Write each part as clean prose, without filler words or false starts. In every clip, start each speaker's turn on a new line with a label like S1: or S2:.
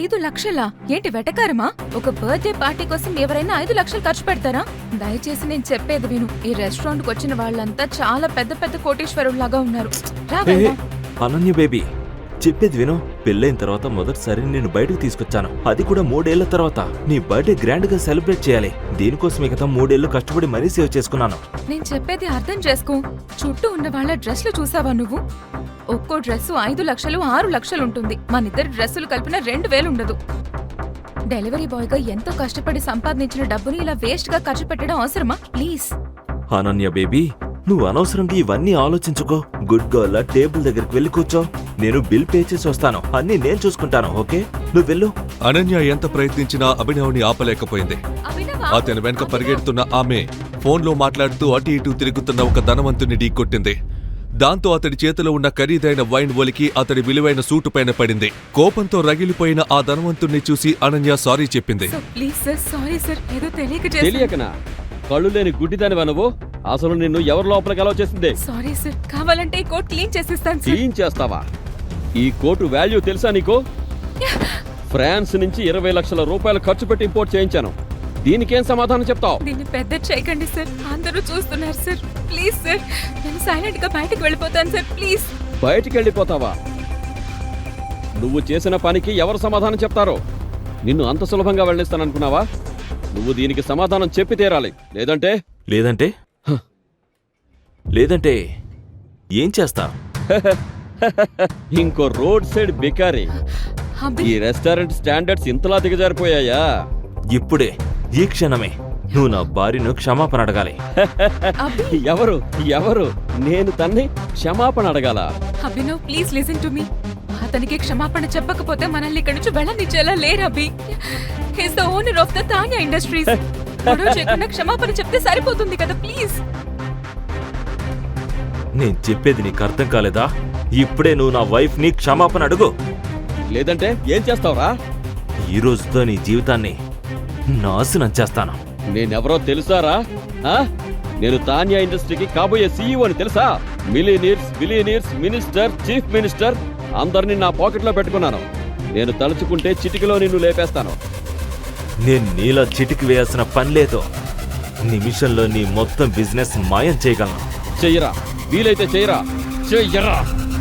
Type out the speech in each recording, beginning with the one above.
S1: 5 లక్షలా? ఏంటి వెటకారమా? ఒక birthday party కోసం ఎవరైనా 5 లక్షలు ఖర్చు పెడతారా? దయచేసి నేను చెప్పేది విను. ఈ రెస్టారెంట్ కు వచ్చిన వాళ్ళంతా చాలా పెద్ద పెద్ద కోటీశ్వరుల్లాగా ఉన్నారు.
S2: అనన్య బేబీ, చెప్పేది విను. పెళ్ళైన తర్వాత మొదటిసారి నేను బయటకు తీసుకొచ్చాను, అది కూడా 3 ఏళ్ల తర్వాత. నీ బర్త్డే గ్రాండ్ గా సెలబ్రేట్ చేయాలి. దీనికోసం మిగతా 3 ఏళ్లు కష్టపడి మరీ సేవ్ చేసుకున్నాను.
S1: నేను చెప్పేది అర్థం చేసుకో. చుట్టూ ఉన్న వాళ్ళ డ్రెస్లు చూసావా నువ్వు? ఒక్కో డ్రెస్సు 5 లక్షలు 6 లక్షలు ఉంటుంది. మనిద్దరి డ్రెస్సులు కలిపిన 2000 ఉండదు. డెలివరీ బాయ్ గా ఎంతో కష్టపడి సంపాదించిన డబ్బుని ఇలా వేస్ట్ గా ఖర్చు పెట్టడం అవసరమా? ప్లీజ్
S2: అనన్య బేబీ, నువ్వు అనవసరంగా ఇవన్నీ ఆలోచించుకో. గుడ్ గర్ల్, టేబుల్ దగ్గరికి వెళ్ళి కూర్చో. నేను బిల్ పే చేసి వస్తాను. అన్నీ నేను చూసుకుంటాను. ఓకే, నువ్వు వెళ్ళు.
S3: అనన్య ఎంత ప్రయత్నించినా అభినవ్ని ఆపలేకపోయింది. అతని వెనక పరిగెడుతున్న ఆమె ఫోన్లో మాట్లాడుతూ అటు ఇటు తిరుగుతున్న ఒక ధనవంతుని ఢీకొట్టింది. దాంతో అతడి చేతిలో ఉన్న ఖరీదైన వైన్ ఒలికి అతడి విలువైన సూటు పైన పడింది. కోపంతో రగిలిపోయిన ఆ ధనవంతుణ్ణి చూసి అనన్య సారీ చెప్పింది.
S4: తెలియకనా? కళ్ళు లేని గుడ్డిదానివా నువ్వు? అసలు నిన్ను ఎవరి లోపలికి అలౌ చేసింది?
S1: సారీ సార్, కావాలంటే ఈ కోట్ క్లీన్ చేసిస్తాను.
S4: క్లీన్ చేస్తావా? ఈ కోటు వాల్యూ తెలుసా నీకు? ఫ్రాన్స్ నుంచి 20 లక్షల రూపాయలు ఖర్చు పెట్టి ఇంపోర్ట్ చేయించాను. దీనికేం సమాధానం చెప్తావు?
S1: దీన్ని పెద్ద చేయకండి సార్, అందరూ చూస్తున్నారు సార్. ప్లీజ్ సార్, నేను సైలెంట్ గా బయటకు వెళ్ళిపోతాను సార్. ప్లీజ్.
S4: బయటికి వెళ్ళిపోతావా? నువ్వు చేసిన పనికి ఎవరు సమాధానం చెప్తారో? నిన్ను అంత సులభంగా వెళ్ళిస్తాననుకున్నావా? నువ్వు దీనికి సమాధానం చెప్పి తీరాలి. లేదంటే
S2: లేదంటే లేదంటే ఏం చేస్తా?
S4: ఇంకో రోడ్ సైడ్ బికారి. ఈ రెస్టారెంట్ స్టాండర్డ్స్ ఇంతలా దిగజారిపోయాయా?
S2: ఇప్పుడే, ఈ క్షణమే నువ్వు నా భార్యను క్షమాపణ అడగాలి.
S4: ఎవరు ఎవరు? నేను తన్ని క్షమాపణ అడగాల?
S1: Abhinav, please listen to me. అతనికి క్షమాపణ చెప్పకపోతే మనల్ని ఇక్కడి నుంచి వెళ్ళనిచ్చేలా లేరు Abhi. He's the owner of the Tanya industries. గొడవ చేయకుండా క్షమాపణ చెప్తే సరిపోతుంది కదా. ప్లీజ్.
S2: నేను చెప్పేది నీకు అర్థం కాలేదా? ఇప్పుడే నువ్వు నా వైఫ్ ని క్షమాపణ అడుగు.
S4: లేదంటే ఏం చేస్తావురా?
S2: ఈ రోజుతో నీ జీవితాన్ని నాశనం చేస్తాను.
S4: నేనెవరో తెలుసారా? నేను తాన్యా ఇండస్ట్రీకి కాబోయే సీఈఓ అని తెలుసా? మిలియనీర్స్, మినిస్టర్, చీఫ్ మినిస్టర్ అందరినీ నా పాకెట్లో పెట్టుకున్నాను. నేను తలుచుకుంటే చిటికలో నిన్ను లేపేస్తాను.
S2: నేను నీలా చిటికి వేయాల్సిన పని లేదు. నిమిషంలో నీ మొత్తం బిజినెస్ మాయం చేయగలను.
S4: చెయ్యరా, వీలైతే చెయ్యరా. చెయ్యరా.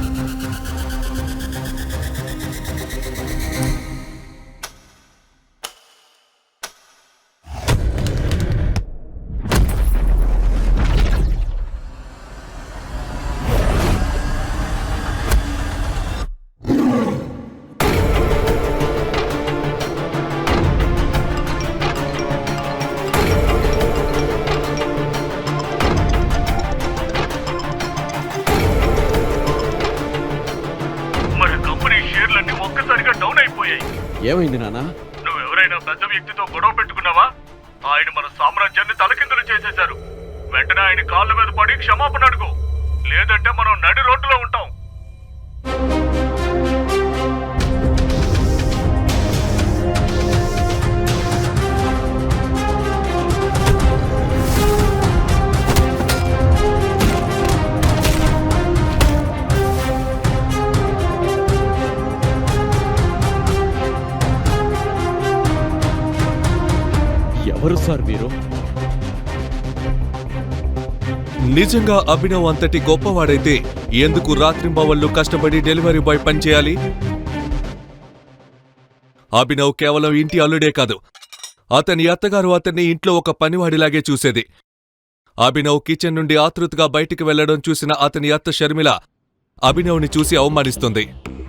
S4: ఏమైంది నాన్న?
S5: నువ్వెవరైనా పెద్ద వ్యక్తితో గొడవ పెట్టుకున్నావా? ఆయన మన సామ్రాజ్యాన్ని తలకిందులు చేసేశారు. వెంటనే ఆయన కాళ్ళ మీద పడి క్షమాపణ అడుగు. లేదంటే మనం నడి రోడ్డులో ఉంటాం.
S4: ఎవరు సార్ మీరు?
S3: నిజంగా అభినవ్ అంతటి గొప్పవాడైతే ఎందుకు రాత్రింబవళ్లు కష్టపడి డెలివరీ బాయ్ పనిచేయాలి? అభినవ్ కేవలం ఇంటి అల్లుడే కాదు, అతని అత్తగారు అతన్ని ఇంట్లో ఒక పనివాడిలాగే చూసేది. అభినవ్ కిచెన్ నుండి ఆతృతగా బయటికి వెళ్లడం చూసిన అతని అత్త షర్మిల అభినవ్ని చూసి అవమానిస్తుంది.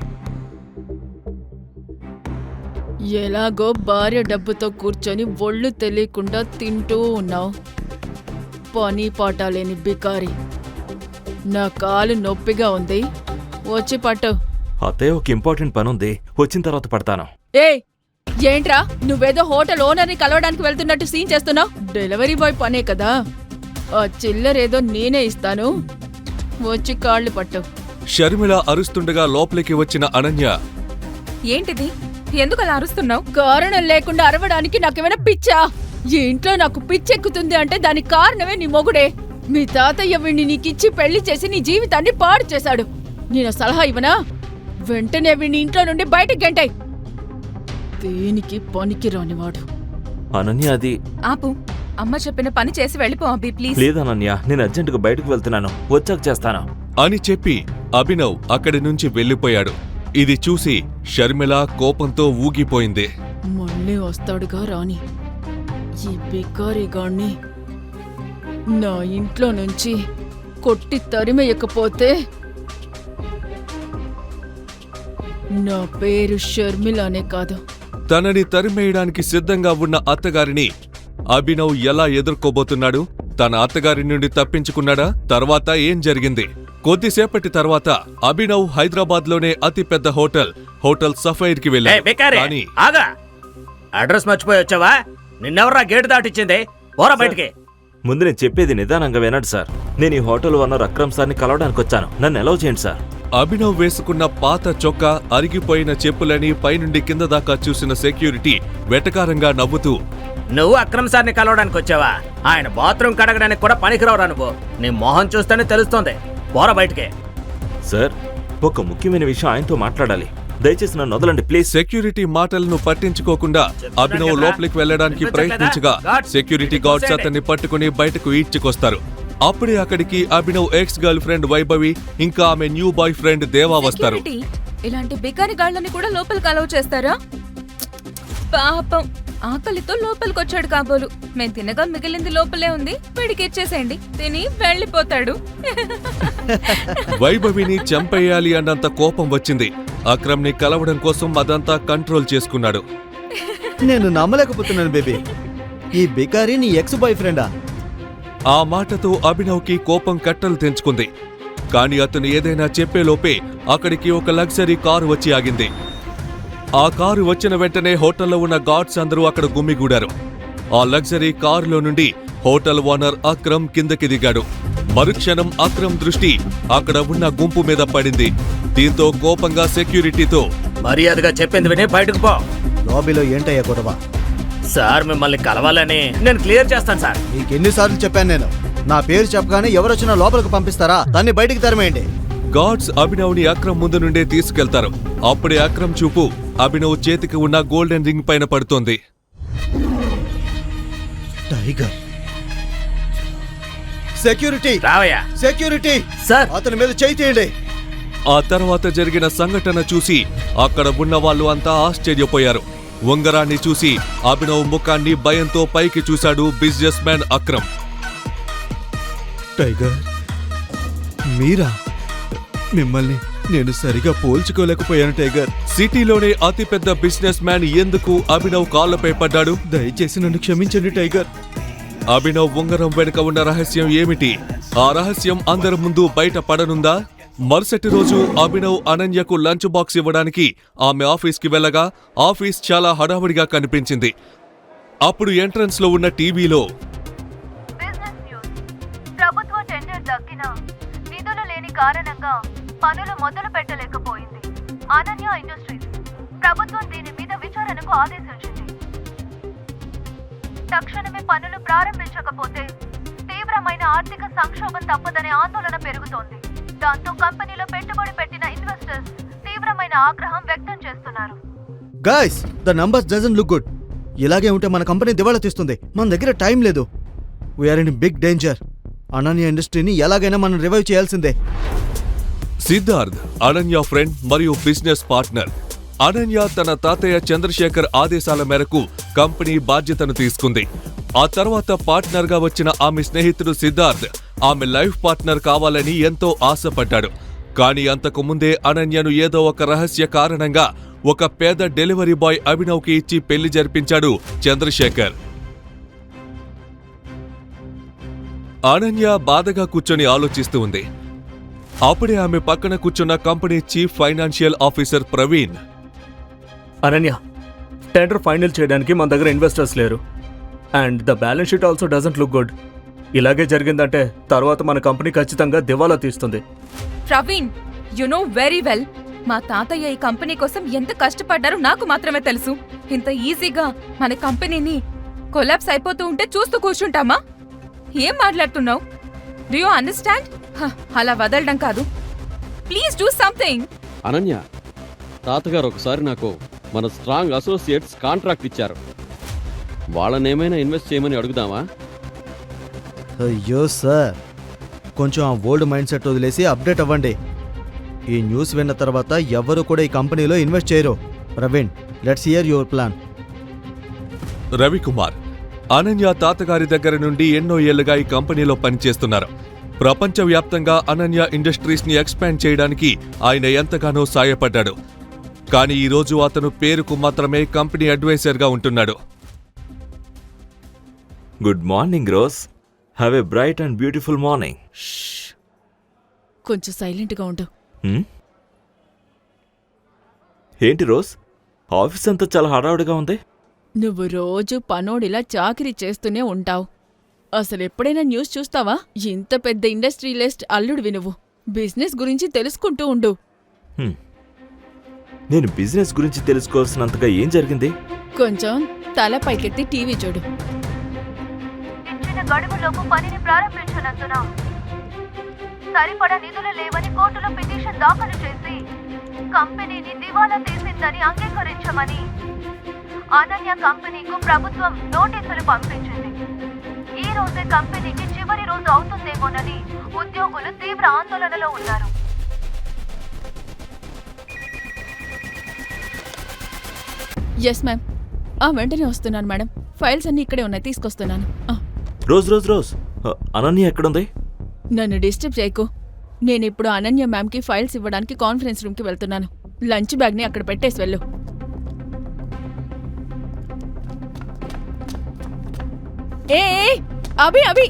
S6: ఎలాగో భార్య డబ్బుతో కూర్చొని ఒళ్ళు తెలియకుండా తింటూ ఉన్నావు. పని పాట లేని బికారి. నా కాలు నొప్పిగా ఉంది, వచ్చి పట్టు.
S2: అత్తయ్య, ఒక ఇంపార్టెంట్ పని ఉంది, వచ్చిన తర్వాత పడతాను.
S6: ఏంట్రా, నువ్వేదో హోటల్ ఓనర్ని కలవడానికి వెళ్తున్నట్టు సీన్ చేస్తున్నావు? డెలివరీ బాయ్ పనే కదా, ఆ చిల్లరేదో నేనే ఇస్తాను, వచ్చి కాళ్ళు పట్టు.
S3: షర్మిల అరుస్తుండగా లోపలికి వచ్చిన అనన్య,
S1: ఏంటిది? ఎందుకు అలా అరుస్తున్నావు?
S6: కారణం లేకుండా అరవడానికి నాకేమైనా పిచ్చా? ఈ ఇంట్లో నాకు పిచ్చెక్కుతుంది అంటే దానికి కారణమే నీ మొగుడే. మీ తాతయ్య వీణ్ణి నీకిచ్చి పెళ్లి చేసి నీ జీవితాన్ని పాడు చేశాడు. నేను సలహా ఇవ్వనా? వెంటనే వీణ్ణి ఇంట్లో నుండి బయటకు గెంటాయి. దేనికి పనికి రానివాడు.
S2: అనన్య అది
S1: ఆపు. అమ్మ చెప్పిన పని చేసి వెళ్ళిపో అభి ప్లీజ్.
S2: లేదనన్య, నేను అర్జెంటుగా బయటకు వెళ్తున్నాను, వచ్చాక చేస్తాను.
S3: అని చెప్పి అభినవ్ అక్కడి నుంచి వెళ్ళిపోయాడు. ఇది చూసి షర్మిల కోపంతో ఊగిపోయింది.
S6: మళ్ళీ వస్తాడుగా రాని. ఈ బికారిగాణ్ణి నా ఇంట్లో నుంచి కొట్టి తరిమేయకపోతే నా పేరు షర్మిలానే కాదు.
S3: తనని తరిమేయడానికి సిద్ధంగా ఉన్న అత్తగారిని అభినవ్ ఎలా ఎదుర్కోబోతున్నాడు? తన అత్తగారి నుండి తప్పించుకున్నాడా? తర్వాత ఏం జరిగింది? కొద్దిసేపటి తర్వాత అభినవ్ హైదరాబాద్లోనే అతిపెద్ద హోటల్ సఫైర్ కి వెళ్ళాడు. కానీ
S7: ఆగా, అడ్రస్ మర్చిపోయి వచ్చావా? నిన్నెవర్రా గేటు దాటిచ్చింది? పోరా బయటికి.
S2: ముందు నేను చెప్పేది నిదానంగా వినండి సార్. నేను ఈ హోటల్ ఓనర్ అక్రమ్ సార్ని కలవడానికి వచ్చాను, నన్ను అలౌ చేయండి సార్.
S3: అభినవ్ వేసుకున్న పాత చొక్కా, అరిగిపోయిన చెప్పులని పైనుండి కింద దాకా చూసిన సెక్యూరిటీ వెటకారంగా నవ్వుతూ,
S7: నువ్వు అక్రమ్ సార్ని కలవడానికి వచ్చావా? ఆయన బాత్రూమ్ కడగడానికి కూడా పనికిరావురా నువ్వు. నీ మొహం చూస్తేనే తెలుస్తోంది. పోరా బయటికి.
S2: సార్, ఒక ముఖ్యమైన విషయం ఆయనతో మాట్లాడాలి, దయచేసి నన్ను వదలండి ప్లీజ్.
S3: సెక్యూరిటీ మాటలను పట్టించుకోకుండా అభినవ్ లోపలికి వెళ్లడానికి ప్రయత్నించగా సెక్యూరిటీ గార్డ్స్ అతన్ని పట్టుకుని బయటకు ఈడ్చుకొస్తారు. అప్పుడే అక్కడికి Abhinav ex girlfriend Vaibhavi ఇంకా ఆమె న్యూ బాయ్ ఫ్రెండ్ దేవా వస్తారు.
S1: సెక్యూరిటీ, ఇలాంటి బికారి గాళ్ళని కూడా లోపలికి అలౌ చేస్తారా? పాపం, ఆకలితో లోపలికొచ్చాడు కాబోలు. మేము తినగా మిగిలింది లోపలే ఉంది, వీడికి ఇచ్చేసేయండి, తిని వెళ్ళిపోతాడు.
S3: వైభవిని చంపేయాలి అన్నంత కోపం వచ్చింది. అక్రమ్ ని కలవడం కోసం అదంతా కంట్రోల్ చేసుకున్నాడు.
S8: నేను నమ్మలేకపోతున్నాను బేబీ, ఈ బికారి నీ ఎక్స్ బాయ్ ఫ్రెండా?
S3: ఆ మాటతో అభినవ్ కి కోపం కట్టలు తెంచుకుంది. కాని అతను ఏదైనా చెప్పేలోపే అక్కడికి ఒక లగ్జరీ కారు వచ్చి ఆగింది. ఆ కారు వచ్చిన వెంటనే హోటల్లో ఉన్న గార్డ్స్ అందరూ అక్కడ గుమ్మిగూడారు. ఆ లగ్జరీ కారులో నుండి హోటల్ ఓనర్ అక్రమ్ కిందకి దిగాడు. మరుక్షణం అక్రమ్ దృష్టి అక్కడ ఉన్న గుంపు మీద పడింది. దీంతో కోపంగా సెక్యూరిటీతో,
S7: మర్యాదగా చెప్పింది విని బయటకు పో.
S8: లాబీలో ఏంటయ్యా గొడవ?
S7: సార్ మిమ్మల్ని కలవాలని నేను క్లియర్ చేస్తాను సార్.
S8: నీకెన్నిసార్లు చెప్పాను నేను, నా పేరు చెప్పగానే ఎవరొచ్చినా లోపలికి పంపిస్తారా? దాన్ని బయటికి తరిమేయండి.
S3: గార్డ్స్ అభినవ్ ని అక్రమ్ ముందు నుండే తీసుకెళ్తారు. అప్పుడే అక్రమ్ చూపు అభినవ్ చేతికి ఉన్న గోల్డెన్ రింగ్ పైన పడుతోంది.
S8: టైగర్, సెక్యూరిటీ,
S7: రావయ్యా.
S8: సెక్యూరిటీ
S7: సార్,
S8: అతని మీద చేయి తీయండి.
S3: ఆ తర్వాత జరిగిన సంఘటన చూసి అక్కడ ఉన్న వాళ్ళు అంతా ఆశ్చర్యపోయారు. ఉంగరాన్ని చూసి అభినవ్ ముఖాన్ని భయంతో పైకి చూశాడు బిజినెస్ మ్యాన్ అక్రమ్.
S8: టైగర్, మీరా? మిమ్మల్ని నేను సరిగా పోల్చుకోలేకపోయాను టైగర్.
S3: సిటీలోనే అతిపెద్ద బిజినెస్ మ్యాన్ ఎందుకు అభినవ్ కాళ్లపై పడ్డాడు?
S8: దయచేసి నన్ను క్షమించండి టైగర్.
S3: అభినవ్ ఉంగరం వెనుక ఉన్న రహస్యం ఏమిటి? ఆ రహస్యం అందరి ముందు బయట పడనుందా? మరుసటి రోజు అభినవ్ అనన్యకు లంచ్ బాక్స్ ఇవ్వడానికి ఆమె ఆఫీస్కి వెళ్ళగా ఆఫీస్ చాలా హడావుడిగా కనిపించింది. అప్పుడు ఎంట్రన్స్ లో ఉన్న టీవీలో,
S9: బిజినెస్ న్యూస్. ప్రభుత్వ టెండర్ దక్కిన నిధులు లేని కారణంగా పనులు మొదలు పెట్టలేకపోయింది. అనన్య ఇండస్ట్రీస్ ప్రభుత్వం దీని మీద విచారణకు ఆదేశించింది. తక్షణమే పనులు ప్రారంభించకపోతే తీవ్రమైన ఆర్థిక సంక్షోభం తప్పదనే ఆందోళన పెరుగుతోంది. దాంతో కంపెనీలో పెట్టుబడి పెట్టిన ఇన్వెస్టర్స్ తీవ్రమైన ఆగ్రహం వ్యక్తం చేస్తున్నారు.
S8: Guys, the numbers doesn't look good. ఇలాగే ఉంటే మన కంపెనీ దివాళా తీస్తుంది. మన దగ్గర టైం లేదు. We're in big danger. Ananya ఇండస్ట్రీని ఎలాగైనా మనం రివైవ్ చేయాల్సిందే.
S3: సిద్ధార్థ్ అనన్య ఫ్రెండ్ మరియు బిజినెస్ పార్ట్నర్. అనన్య తన తాతయ్య చంద్రశేఖర్ ఆదేశాల మేరకు కంపెనీ బాధ్యతను తీసుకుంది. ఆ తర్వాత పార్ట్నర్ గా వచ్చిన ఆమె స్నేహితుడు సిద్ధార్థ్ ఆమె లైఫ్ పార్ట్నర్ కావాలని ఎంతో ఆశపడ్డాడు. కానీ అంతకు ముందే అనన్యను ఏదో ఒక రహస్య కారణంగా ఒక పేద డెలివరీ బాయ్ అభినవ్కి ఇచ్చి పెళ్లి జరిపించాడు చంద్రశేఖర్. అనన్య బాధగా కూర్చొని ఆలోచిస్తూ ఉంది. అప్పుడే ఆమె పక్కన కూర్చున్న company chief financial officer Praveen,
S5: Ananya, tender final చేయడానికి మన దగ్గర ఇన్వెస్టర్స్ లేరు. And the balance sheet also doesn't look good. ఇలాగే జరిగిందంటే తర్వాత మన కంపెనీ ఖచ్చితంగా దివాలా తీస్తుంది.
S1: Praveen, you know very well, మా తాతయ్య ఈ కంపెనీ కోసం ఎంత కష్టపడ్డారో నాకు మాత్రమే తెలుసు. ఇంత ఈజీగా మన కంపెనీని కొలాప్స్ అయిపోతూ ఉంటే చూస్తూ కూర్చుంటామా? ఏం మాట్లాడుతున్నావు? Do you understand? అలా వదలడం కాదు, ప్లీజ్ డూ సంథింగ్.
S4: అనన్య, తాతగారు ఒకసారి నాకు మన స్ట్రాంగ్ అసోసియేట్స్ కాంట్రాక్ట్ ఇచ్చారు. వాళ్ళనేమైనా ఇన్వెస్ట్ చేయమని అడుగుదామా?
S8: అయ్యో సార్, కొంచెం ఆ ఓల్డ్ మైండ్ సెట్ వదిలేసి అప్డేట్ అవ్వండి. ఈ న్యూస్ విన్న తర్వాత ఎవ్వరూ కూడా ఈ కంపెనీలో ఇన్వెస్ట్ చేయరు. Praveen, let's hear your plan.
S3: Ravikumar Ananya తాతగారి దగ్గర నుండి ఎన్నో ఏళ్లుగా ఈ కంపెనీలో పనిచేస్తున్నారు. ప్రపంచవ్యాప్తంగా అనన్య ఇండస్ట్రీస్ ని ఎక్స్పాండ్ చేయడానికి ఆయన ఎంతగానో సాయపడ్డాడు. కానీ ఈ రోజు అతను పేరుకు మాత్రమే కంపెనీ అడ్వైజర్గా ఉంటున్నాడు.
S2: Good morning Rose. Have a bright and beautiful morning.
S6: కొంచెం సైలెంట్గా ఉండు.
S2: ఏంటి రోజ్, ఆఫీస్ అంతా చాలా హడావుడిగా ఉంది.
S6: నువ్వు రోజు పనోడిలా చాకిరీ చేస్తూనే ఉంటావు. అసలెప్పుడైనా న్యూస్ చూస్తావా? ఇంత పెద్ద ఇండస్ట్రియలిస్ట్ అల్లుడివి నువ్వు. బిజినెస్ గురించి తెలుసుకుంటూ ఉండు.
S2: నేను బిజినెస్ గురించి తెలుసుకోవాల్సినంతగా ఏం జరిగింది?
S6: కొంచెం తల పైకెత్తి టీవీ చూడు.
S9: ఇచ్చిన గడువులోపు పనిని ప్రారంభించనందున సరిపడా నిధులు లేవని కోర్టులో పిటిషన్ దాఖలు చేసి కంపెనీని దివాలా తీసిందని అంగీకరించమని అనన్య కంపెనీకు ప్రభుత్వం నోటీసులు పంపించింది. ఈ రోజే కంపెనీకి చివరి రోజు అవుతుందేమోనని ఉద్యోగులు తీవ్ర ఆందోళనలో ఉన్నారు.
S6: Yes ma'am. వెంటనే వస్తున్నాను మేడం. ఫైల్స్ అన్నీ ఇక్కడే ఉన్నాయి, తీసుకొస్తున్నాను.
S2: రోజ్ రోజ్ రోజ్, అనన్య ఎక్కడుంది?
S6: నన్ను డిస్టర్బ్ చేయకు. నేనిప్పుడు అనన్య మ్యామ్కి ఫైల్స్ ఇవ్వడానికి కాన్ఫరెన్స్ రూమ్కి వెళ్తున్నాను. లంచ్ బ్యాగ్ని అక్కడ పెట్టేసి వెళ్ళు. ఏ అభి అభి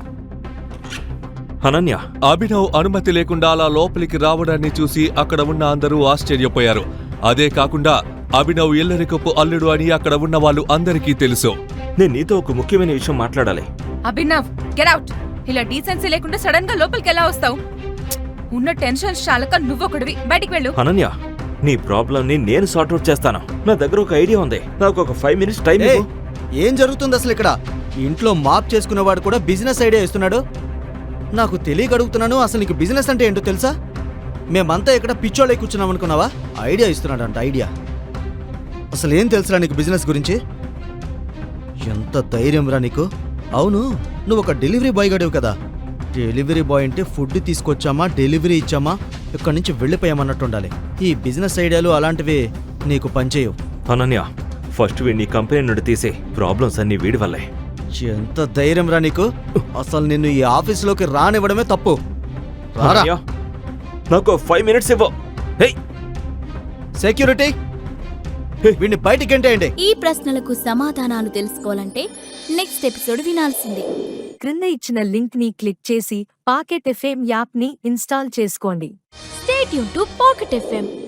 S2: అనన్య,
S3: అభినవ్ అనుమతి లేకుండా అలా లోపలికి రావడాన్ని చూసి అక్కడ ఉన్న అందరూ ఆశ్చర్యపోయారు. అదే కాకుండా అభినవ్ ఇల్లరికపు అల్లుడు అని అక్కడ ఉన్న వాళ్ళు అందరికీ తెలుసు.
S2: నేను నీతో ఒక ముఖ్యమైన విషయం మాట్లాడాలి.
S1: Abhinav, get out. ఇలా డీసెన్సీ లేకుండా సడన్ గా లోపలికి ఎలా వస్తావు? ఉన్న టెన్షన్ చాలక నువ్వొకడివి, బయటికి వెళ్ళు.
S2: అనన్య, నీ ప్రాబ్లం ని నేను సార్ట్అవుట్ చేస్తాను. నా దగ్గర ఒక ఐడియా ఉంది. నాకు ఒక 5 minutes టైం ఇవ్వు.
S8: ఏం జరుగుతుంది అసలు ఇక్కడ? ఇంట్లో మాప్ చేసుకునేవాడు కూడా బిజినెస్ ఐడియా ఇస్తున్నాడు. నాకు తెలియక అడుగుతున్నాను, అసలు నీకు బిజినెస్ అంటే ఏంటో తెలుసా? మేమంతా ఇక్కడ పిచ్చోళ్ళై కూర్చున్నాం అనుకున్నావా? ఐడియా ఇస్తున్నాడంట, ఐడియా. అసలు ఏం తెలుసురా నీకు బిజినెస్ గురించి? ఎంత ధైర్యం రా నీకు? అవును, నువ్వు ఒక డెలివరీ బాయ్ గడివి కదా. డెలివరీ బాయ్ అంటే ఫుడ్ తీసుకొచ్చామా, డెలివరీ ఇచ్చామా, ఇక్కడి నుంచి వెళ్ళిపోయామన్నట్టు ఉండాలి. ఈ బిజినెస్ ఐడియాలు అలాంటివి నీకు పనిచేయవు.
S2: అనన్య, ఫస్ట్ వీడిని కంపెనీ నుండి తీసే. ప్రాబ్లమ్స్ అన్ని వీడి వల్లే.
S8: ఎంత ధైర్యం రా నీకు? అసలు నిన్ను ఈ ఆఫీసులోకి రానివ్వడమే తప్పు. రారా.
S2: అనన్య, నాకు 5 minutes ఇవ్వు. హే,
S8: సెక్యూరిటీ, వీడిని బయటికి ఎంటేయండి.
S10: ఈ ప్రశ్నలకు సమాధానాలు తెలుసుకోవాలంటే నెక్స్ట్ ఎపిసోడ్ వినాల్సిందే.
S11: క్రింద ఇచ్చిన లింక్ ని క్లిక్ చేసి పాకెట్ ఎఫ్ఎం యాప్ ని ఇన్స్టాల్ చేసుకోండి.
S10: Stay tune to Pocket FM.